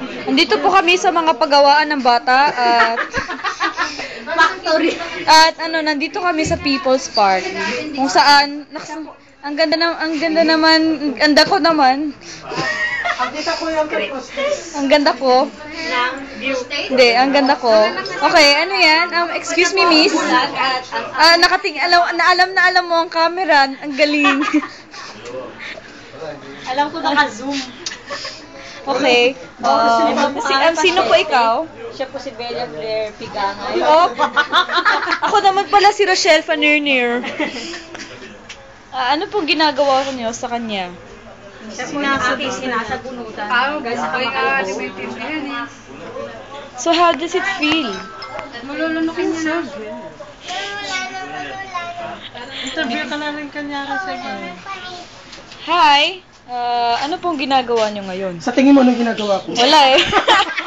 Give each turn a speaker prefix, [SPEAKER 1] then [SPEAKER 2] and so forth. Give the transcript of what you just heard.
[SPEAKER 1] Andito po kami sa mga paggawaan ng bata at
[SPEAKER 2] Factory.
[SPEAKER 1] at nandito kami sa People's Park kung saan ang ganda naman, ang ganda ko naman. Ang ganda ko. Hindi, ang ganda ko. Okay, ano yan? Excuse me, miss. Alam mo ang camera. Ang galing.
[SPEAKER 2] Alam ko naka-zoom.
[SPEAKER 1] Okay. Sino po ikaw?
[SPEAKER 2] Siya po si Bella Blair Pigangay.
[SPEAKER 1] Oh, ako naman pala si Rochelle Fanernir. Ano pong ginagawa ko niyo sa kanya?
[SPEAKER 2] Siya po yung aking sinasabunutan.
[SPEAKER 1] So how does it feel?
[SPEAKER 2] Malulunukin niya na.
[SPEAKER 3] Interview ka na rin kanyari sa iyo.
[SPEAKER 1] Hi! Ano pong ginagawa niyo ngayon?
[SPEAKER 3] Sa tingin mo, anong ginagawa ko?
[SPEAKER 1] Wala eh.